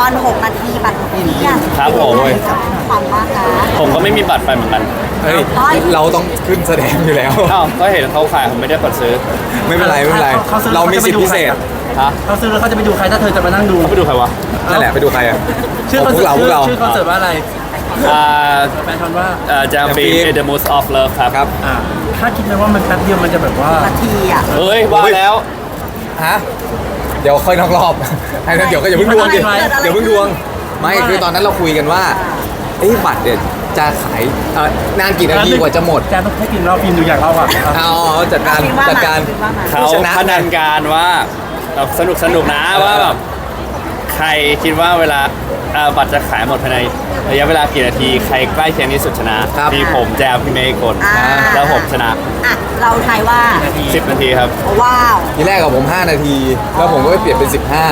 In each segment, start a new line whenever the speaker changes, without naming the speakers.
ร6 นาทีบัตรหมดเกลี้ยง
ครับผม
ความมากนะ
ผมก็ไม่มีบัตรไปเหมือนกัน
เฮ้ยเราต้องขึ้นแสดงอยู่แล้ว
อ้าวก็เห็นเขาขายผมไม่ได้กดซื้อ
ไม่เป็นไรไม่เป็นไร
เขาซื้อ
เรามีสิทธิพิเศษ
ฮะ
เขาซื้อแล้วเขาจะไปดูใครถ้าเธอจะมานั่งดู
เขาไปดูใครวะ
นั่นแหละไปดูใครอ่ะ
ชื่อ
พวกเราพวกเรา
ชื่อคอนเสิร์ตว่าอะไร
อ่า
แฟนคอนว่า
จะเป็น
Jam
The Most of Love ครับ
ครับ
คาดคิดไหมว่ามันแป๊บเดียวมันจะแบบว่า
นาทีอ่ะ
เฮ้ยว่าแล้ว
ฮะเดี๋ยวค่อยนอกรอบไอ้นั่นเดี๋ยวก็อย่าเพิ่งดวงดิ
เกิดอะไร
เดี๋ยวเพิ่งดวงไม่คือตอนนั้นเราคุยกันว่าบัตรเนี่ยจะขายนานกี่นาทีกว่าจะหมด
แจต้องให้พิมพ์เราพิมพ์ดูอย่างเราอ่ะ
เอาจัดการ
คิดว่า
จัดการ
คิดว่ามา
เขา
ผู้ชนะ
พนันการว่าแบบสนุกนะว่าแบบใครคิดว่าเวลาบัตรจะขายหมดภายในระยะเวลากี่นาทีใครใกล้เคียงที่สุดชนะครับ มีผมแจมพี่เมย์กด
อ่า
แล้วผมชนะ
อ่ะเราทายว่า
10 นาทีครับ
ว้าว
ทีแรกกับผม 5 นาที แล้วผมก็ไปเปลี่ยนเป็น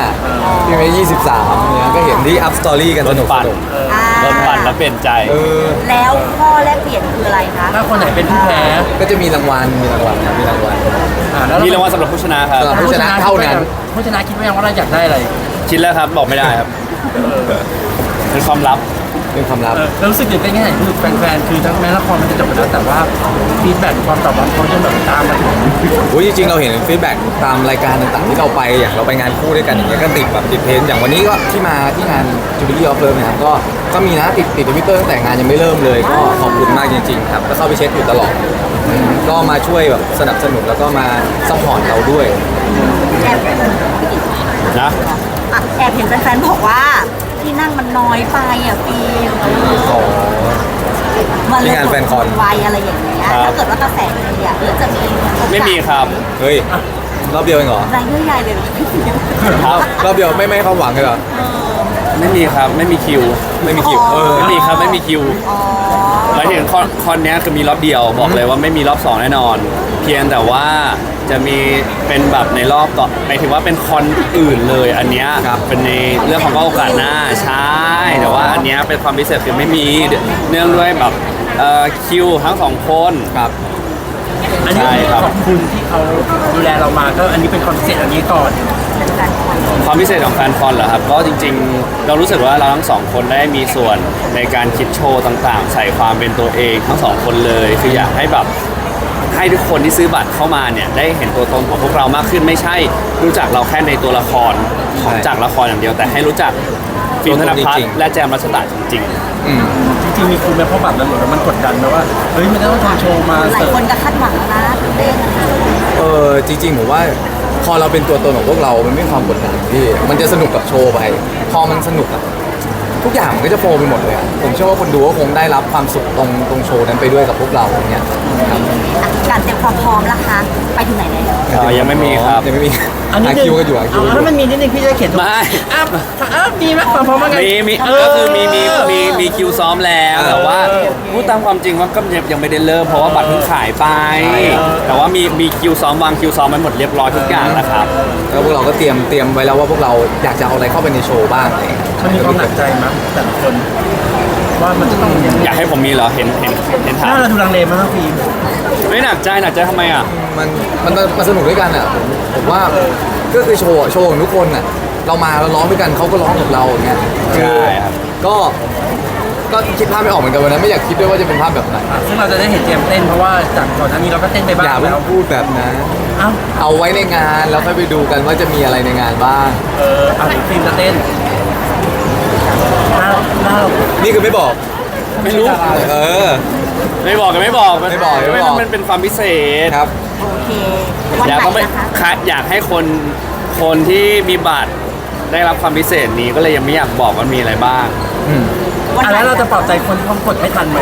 15พี่เมย์23เนี่ยก็เห็นที่อัพสตอรี่กันสนุก
รถปั่น
สนุก
อ่า
โดนปั่นแล้วเปลี่ยนใจ
แล้วข้อแลกเปลี่ยนคืออะไรคะ
ถ้าคนไหนเป็นผู้แพ้
ก็จะมีรางวัลครับมีรางวัล
แล้ว
มีรางวัลสำหรับผู้ชนะครับ
สำหรับ ผู้ชนะเท่านั้น
ผู้ชนะคิดว่ายังว่าเราอยากได้อะไร
คิดแล้วครับบอกไม่ได้ครับเป็นความลับ
เป็นความลับ
แล้วรู้สึกยังไงไงคือแฟนๆคือทั้งแม้ละครมันจะจบไปแล้วแต่ว่าฟีดแบ็กความตอบรับเขาจะแบบตามมาถึง
โอ้ยจริงๆเราเห็นฟีดแบ็กตามรายการต่างๆที่เราไปอย่างเราไปงานคู่ด้วยกันอย่างเงี้ยก็ติดแบบติดเทรนด์อย่างวันนี้ก็ที่มาที่งาน Jubilee of Love นะครับก็มีนะติดทวิตเตอร์ตั้งแต่งานยังไม่เริ่มเลยก็ขอบคุณมากจริงๆครับก็เข้าไปเช็คอยู่ตลอดก็มาช่วยแบบสนับสนุนแล้วก็มาซัพพอร์ตเราด้วย
แอบ
นะ
อ่ะแอบเห็นแฟนๆบอกว่าที่นั่งมันน้อยไปอ่ะฟิล์ม
อ๋อ
มันเลย
ที่งานแฟนคอน
ไวอะไรอย่างเงี้ยถ้าเกิดว่ากระแสดีอ่ะหรือจะมีโอกาส
ไม่มีครับ
เฮ้ยรอบเดียวเองเหรอ
รายเยอะใหญ่เลยเหรอพี่ฟิล์ม
ครับ
รอบเดียวไม่ให้ความหวังเลยเหรอ
ไม่มีครับไม่มีคิว
ไม่มีคิว
ไม่มีครับไม่มีคิว
อ๋อ
หมายถึงคอนเนี้ยคือมีรอบเดียวบอกเลยว่าไม่มีรอบ 2 แน่นอน เพียงแต่ว่าจะมีเป็นแบบในรอบต่อหมายถึงว่าเป็นคอนอื่นเลยอันเนี้ยเป็นในเรื่องของโอกาสหน้าใช่แต่ว่าอันเนี้ยเป็นความพิเศษคือไม่มีเนื่องด้วยแบบคิวทั้งสองคน
ครับ
อันนี้
ใช่ครับ
ขอบคุณที่เขาดูแลเรามาก็อันนี้เป็นคอนเซ็ปต์อันนี้ก่อน
เป็นแฟนคอน
ความพิเศษของแฟนคอนเหรอครับก็จริงๆ เรารู้สึกว่าเราทั้งสองคนได้มีส่วนในการคิดโชว์ต่างๆ ใส่ความเป็นตัวเองทั้งสองคนเลยคืออยากให้แบบให้ทุกคนที่ซื้อบัตรเข้ามาเนี่ยได้เห็นตัวตนของพวกเรามากขึ้นไม่ใช่รู้จักเราแค่ในตัวละครของจากละครอย่างเดียว แต่ให้รู้จักฟิล์มธนพัฒน์และแจมรัชตาจริง
จริงๆมีคุณแม่พ่อบัตรแล้วหมดแล้วมันกดดันนะว่าเฮ้ยมันจะต้องทำโชว์มา
หลาย
เสิร์ฟ
คนก็คาดหวังนะตื่นเต้น
จริงๆผมว่าพอเราเป็นตัวตนของพวกเรา มันไม่มีความกดดันพี่มันจะสนุกกับโชว์ไป พอมันสนุกอะทุกอย่างมันก็จะโฟล์ไปหมดเลยอะผมเชื่อว่าคนดูก็คงได้รับความสุขตรงโชว์นั้นไปด้วยกับพวกเราอย่างเงี้ยครับ
อ่ะการเตรียมความพร้อมล่ะคะไปถึงไหนแล้ว
ยังไม่มีครับ
ยังไม่มี
อันนี้
หาคิวกันอยู่หาคิวกันอ
ถ้า
ยู่
มันมีนิดนึงพี่จะเขียน
ไม่
มีไหมความพร้อมว่าไง
มีก็คือมีคิวซ้อมแล้วแต่ว่าพูดตามความจริงว่าก็ยังไม่ได้เริ่มเพราะว่าบัตรเพิ่งขายไป แต่ว่ามีคิวซ้อมวางคิวซ้อมไว้หมดเรียบร้อยทุกอย่างแล้วครับ
แล้วพวกเราก็เตรียมไว้แล้วว่าพวกเราอยากจะเอาอะไรเข้าไปในโชว์บ้างอะไรอย่างเงี้ย
มันมีความหนักใจมั้ยแต่ละคนว่ามันจะต้องยัง
อยากให้ผมมีเหรอเห็นถาม
น่าเราดูลังเลมากนะฟิล์ม
ไม่หนักใจทำไมอ่ะ
มันสนุกด้วยกันอ่ะผมว่าก็คือโชว์ของทุกคนอ่ะเรามาเราร้องด้วยกันเขาก็ร้องกับเราอย่างเงี้ย
ใช่ครับ
ก็คิดภาพไม่ออกเหมือนกันวันนั้นไม่อยากคิดด้วยว่าจะเป็นภาพแบบไหน
ซึ่งเราจะได้เห็นเจมส์เต้นเพราะว่าจากก่อนหน้านี้เราก็เต้นไปบ้า
อย่าง เพิ่
แล้
ง
ว
พูดแบบนั้น
เอ้า
เอาไว้ในงานแล้วค่อยไปดูกันว่าจะมีอะไรในงานบ้าง
เอาฟิล์มจะเต้นหน้า
นี่คือไม่บอก
ไม่รู้
เออ
ไม่บอกกันไม่บอก
ไม่บอก
มันเป็นความพิเศษ
ครับ
โอเควัน
อยาก
ไหน
ต้องไป
นะคะ
อยากให้คนที่มีบัตรได้รับความพิเศษนี้ก็เลยยังไม่อยากบอกว่ามีอะไรบ้าง
วันไหน
แล้วเราจะปลอบใจคนที่เขากดไม่ทันไหม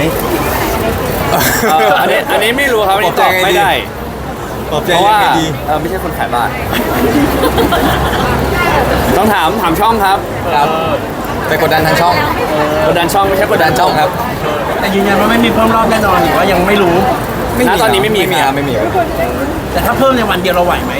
อันนี้ไม่รู้ครับอันนี้ตอบไม่ได้
ปลอบใจ
เพราะ
ยั
ว่าง
ไงดี
ไม่ใช่คนขายบัตรต้องถามช่องครับ
ครับไปกดดันทางช่อง
กดดันช่องไม่ใช่ก
ก
ด
ด
ดั
ดั
น
น
ช่
ช่
อ
อง งครับ
แต่ยืนยันว่าไม่มีเพิ่มรอบแน่นอนหรือว่ายังไม่รู้
ณตอนนี้ไม่มี
ครับไม่มีครับ
แต่ถ้าเพิ่มในวันเดียวเราไหวไหม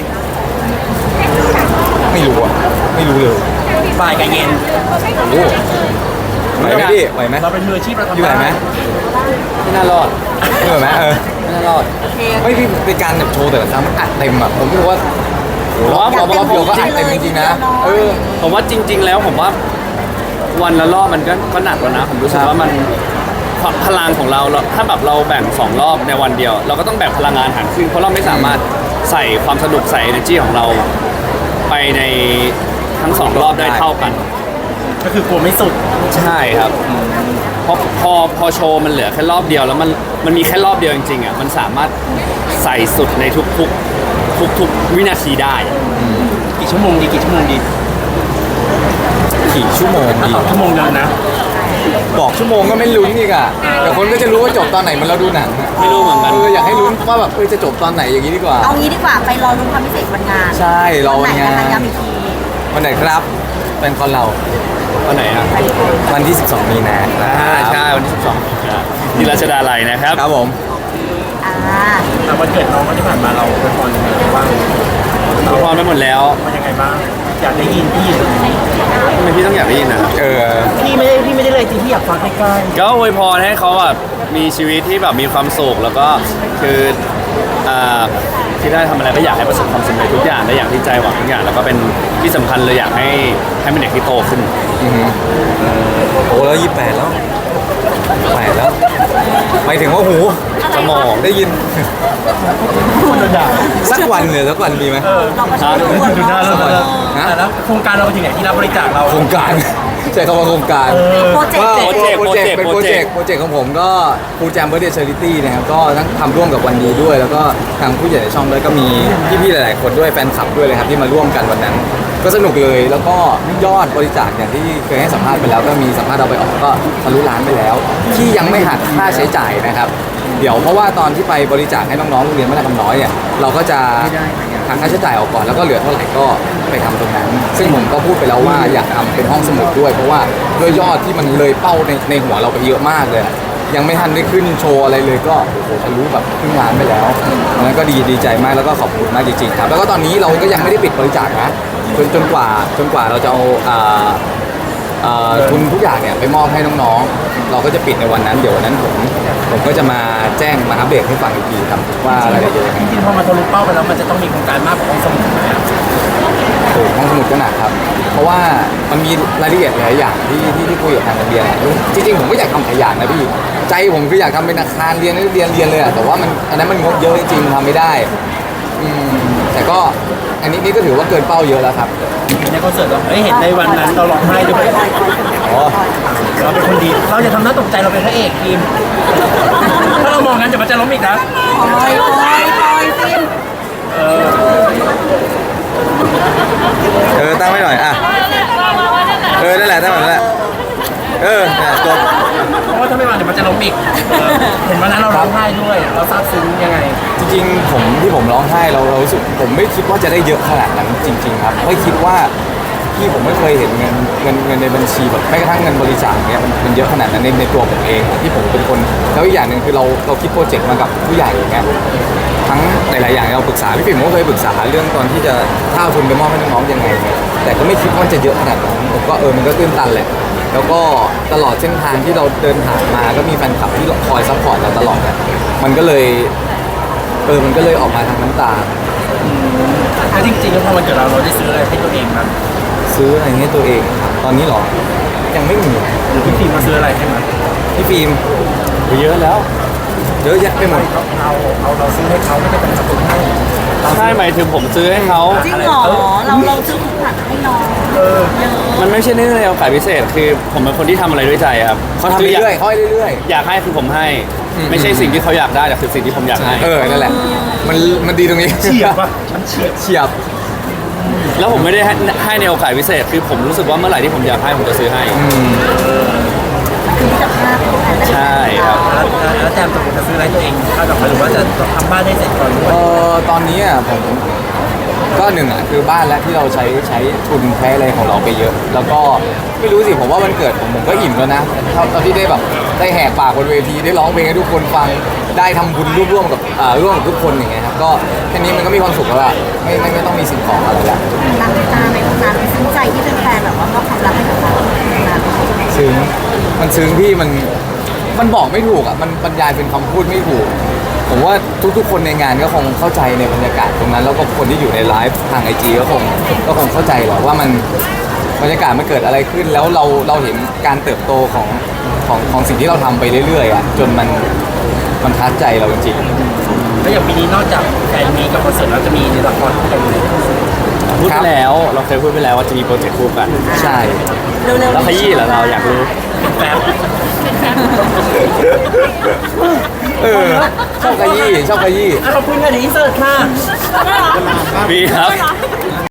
ไม่รู้อ่ะไม่รู้เลย
บ่ายกับเย็น
โอ้ไหวไหมพี่ไหวไหม
เราเป็นมืออาชีพเราทำ
พี่ไหวไหม
ไม่น่ารอด
ไม่ไหวไหม
ไม่น่ารอด
โอเค
ไม่พี่เป็นการแบบโชว์แต่ละครั้งมันอัดเต็มอ่ะผมรู้ว่าโอ้โหรอบเดียวก็อัดเต็มจริงๆนะ
ผมว่าจริง ๆ แล้วผมว่าวันละรอบมันก็หนักแล้วนะผมรู้สึกว่ามันความพลังของเราถ้าแบบเราแบ่ง2รอบในวันเดียว เราก็ต้องแบ่งพลังงานหารครึ่งเพราะเราไม่สามารถใส่ความสนุกใส่ energy ของเราไปในทั้ง2รอบได้เท่ากัน
ก็คือกลัวไม่สุด
ใช่ครับพอโชว์มันเหลือแค่รอบเดียวแล้วมันมีแค่รอบเดียวจริงๆอ่ะมันสามารถใส่สุดในทุกวินาทีได้
กี่ชั่วโมงดีกี่ชั่วโมงดี
กี่ชั่วโมง
ถ้า
ดี
ตอบชั่วโมงเดียวนะ
บอกชั่วโมงก็ไม่ลุ้นอีกอ่ะแต่คนก็จะรู้ว่าจบตอนไหนเหมันเราดูหนังอะ
ไม่รู้เหมือนกัน
อยากให้ลุ้นว่าแบบจะจบตอนไหนอย่างนี้ดีกว่า
เอางี้ดีกว่าไปรอรุ้นความพิเศษวันงาน
ใช่รอวันงาน
ไหนะคะย้ำอีกที
วันไหนครับเป็นคอนเรา
วันไหนอ่ะ
วันที่ 12 มีนาค
ใช่วันที่12ที่ราชดาลัยนะครับ
ครับผม
อ่า
แต่วันเกิดน้องที่ผ่านมาเราเป็นคนยังไงบ้าง
เราพร้อมไปหมดแล้ว
มันยังไงบ้างอยากได้ยินพี่อยู่
ทำไมพี่ต้องอยากได้ยินนะครับ
พี่ไม่ได้เลยจริงพี่อยากฟังใกล้
ก็อวยพรให้เขาแบบมีชีวิตที่แบบมีความสุขแล้วก็คือที่ได้ทำอะไรก็อยากให้ประสบความสำเร็จทุกอย่างได้อย่างที่ใจหวังทุกอย่างแล้วก็เป็นที่สำคัญเลยอยากให้เป็นเด็กที่โตขึ้น
โอ้แล้ว28แล้ว8แล้วหมายถึงว่าหู
สมอง
ได้ยิน
ๆคนด่า
สักวันเลยสักวันมีไหม
เราก็ชอบ
ดูหน้าเราเลย
ฮะ
แต่แล้วโครงการเราไปถึงไหนที่รับบริจาคเรา
โครงการ ใช้คำว่าโครงการ
โปรเจก
ก็
ต์
เป็นโปรเจกต์ของผมก็ฟูแจมเบอร์เดย์เชอริตี้นะครับก็ทั้งทำร่วมกับวันดีด้วย แล้วก็ทางผู้ใหญ่ในช่องด้วยก็มีพี่ๆหลายๆคนด้วยแฟนคลับด้วยเลยครับที่มาร่วมกันวันนั้น ก็สนุกเลยแล้วก็ยอดบริจาคอย่างที่เคยให้สัมภาษณ์ไปแล้วก็มีสัมภาษณ์เราไปออกก็ทะลุล้านไปแล้ว ที่ยังไม่หักค่าใช้จ่ายนะครับ เดี๋ยวเพราะว่าตอนที่ไปบริจาคให้น้องๆโรงเรียนบ้านคำน้อยเนี่ยเราก็จะหักค่าใช้จ่ายออกก่อนแล้วก็เหลือเท่าไหร่ก็ไปทำตรงนั้น ซึ่งผมก็พูดไปแล้วว่าอยากทำเป็นห้องสมุดด้วย เพราะว่าด้วยยอดที่มันเลยเป้าในหัวเราไปเยอะมากเลย ยังไม่ทันได้ขึ้นโชว์อะไรเลยก็โอ้โหทะลุแบบครึ่งล้านไปแล้วอันนั้นก็ดีใจมากแล้วก็ขอบคุณมากจริงๆครับแล้วก็ตอนนี้เราก็ยังไม่ได้ปิดบริจาคนะจนกว่าเราจะเอาทุนทุกอย่างเนี่ยไปมอบให้น้องๆ เราก็จะปิดในวันนั้นเดี๋ยววันนั้นผมก็จะมาแจ้งมาอัปเดตให้ฟังอีกทีครับว่ารายละเอียดยังไง
จริงๆพอมาทะลุเป้าไปแล้วมันจะต้องมีโครงการมากกว่าห้องสมุดไหมอะ
โอ้ห้องสมุดก็หนักครับ เพราะว่ามันมีรายละเอียดหลายอย่างที่คุยกับทางโรงเรียนจริงๆผมก็อยากทำหลายอย่างนะพี่ใจผมคืออยากทำเป็นอาคารเรียนเรียนเลยอะแต่ว่ามันอันนั้นมันงบเยอะจริงๆมันทำไม่ได้แต่ก็อันนี้นี่ก็ถือว่าเกินเป้าเยอะแล้วครับ
ในคอนเสิร์ตเราเห็นในวันนั้นเราร้องไห้ด้วย
อ๋อ
เราเป็นคนดีเราจะทำหน้าตกใจเราเป็นพระเอกทีมถ้าเรามองงั้นเดี๋ยวมันจะล้มอีกนะ
ปอยฟิน
ตั้งไว้หน่อยอ่ะนั่นแหละตั้งไว้นั่นแหละเนี่ยจบ
เพราะว่าถ้าไม่มาเดี๋ยวมันจะล้มอีกเห็นวันนั้นเราร้องไห้ด้วยเราซาบซึ้งยังไง
จริงๆผมร้องไห้เรารู้สึกผมไม่คิดว่าจะได้เยอะขนาดนั้นจริง ๆ ครับไม่คิดว่าที่ผมไม่เคยเห็นเงินในบัญชีแบบแม้กระทั่งเงินบริจาคเนี่ยมันเยอะขนาดนั้นในตัวผมเองที่ผมเป็นคนแล้วอีกอย่างหนึ่งคือเราคิดโปรเจกต์มากับผู้ใหญ่อย่างเงี้ยทั้งหลายๆอย่างเราปรึกษาพี่ปิ่มก็เคยปรึกษาเรื่องตอนที่จะถ้าเอาทุนไปมอบให้น้องๆยังไงเนี่ยแต่ก็ไม่คิดว่าจะเยอะขนาดนั้นผมก็มันก็ตื้นตันแหละแล้วก็ตลอดเส้นทางที่เราเดินผ่านมาก็มีแฟนคลับที่คอยซัพพอร์ตเราตลอดอะมันก็เลยออกมาทางน้ำตา
แล้วจริงๆแล้วพอวันเกิดเราได้ซื้ออะไรให้ตัวเองมั้ย
ซื้ออะไรให้ตัวเองครับตอนนี้หรอยังไม่มี
หรือพี่ฟิล์มมาซื้ออะไรให้มั้ย
พี่ฟิล์ม
เยอะแล้ว
เยอะแยะไปหมด
เราซื้อให้เขาไม่ได้เป็นสกุลให้
ใช่หมายถึงผมซื้อให้เขา
จริงเหรอเราซื้อของขวัญให้น้อง
มันไม่ใช่เรื่องในโอกาสพิเศษคือผมเป็นคนที่ทำอะไรด้วยใจครับ
เขาทำเรื่อยๆเขาให้เรื่อย
อยากให้คือผมให้
อืม
ไม่ใช่สิ่งที่เขาอยากได้แต่คือสิ่งที่ผมอยากให้
ๆนั่นแหละมันดีตรงนี้
เฉียบป่ะมันเฉียบ
เฉียบ
แล้วผมไม่ได้ให้ในโอกาสพิเศษคือผมรู้สึกว่าเมื่อไหร่ที่ผมอยากให้ผมจะซื้อให้
คือมิตรภาพของกันและกัน
ใช่ครับ
แล้วแจมจะซื้ออะไรตัวเองถ้าแบบหรือว่าจะทำบ้านให้เสร็จก่อนด้วย
ตอนนี้ผมก็หนึ่งคือบ้านและที่เราใช้ทุนใช้อะไรของเราไปเยอะ แล้วก็ไม่รู้สิผมว่าวันเกิดผมก็อิ่มแล้วนะตอนที่ได้แบบได้แหกปากบนเวทีได้ร้องเพลงให้ทุกคนฟังได้ทำบุญร่วมกับทุกคนอย่างเงี้ยครับก็แค่นี้มันก็มีความสุขแล้วล่ะไม่ต้องมีสิ่งของอะไรละ
รักในตาในตำนานซึ้งใจที่เป็นแฟนแบบว่ามอบความรักให้กับเรา
ซึ้งมันซึ้งพี่มันบอกไม่ถูกมันบรรยายเป็นคำพูดไม่ถูก ผมว่าทุกๆคนในงานก็คงเข้าใจในบรรยากาศตรงนั้นแล้วก็คนที่อยู่ในไลฟ์ทางไอจีก็คงเข้าใจแหละว่ามันบรรยากาศมันเกิดอะไรขึ้นแล้วเราเห็นการเติบโตของสิ่งที่เราทำไปเรื่อยๆอ่ะจนมันทัดใจเราจริง
แล้วอย่างปีนี้นอกจากแฟนมีกับคอนเสิร์ตเราจะมีในละครคู่กันเลย
พูดไปแล้วเราเคยพูดไปแล้วว่าจะมีโปรเจกต์คู่กัน
ๆใช่
เร็วๆ
แล้วขยี้เหรอเราอยากรู้
แฟบ
ชอบขยี้
ขอบคุณค่ะเดี๋ยวอินเสิร์ตค่ะ
มีครับ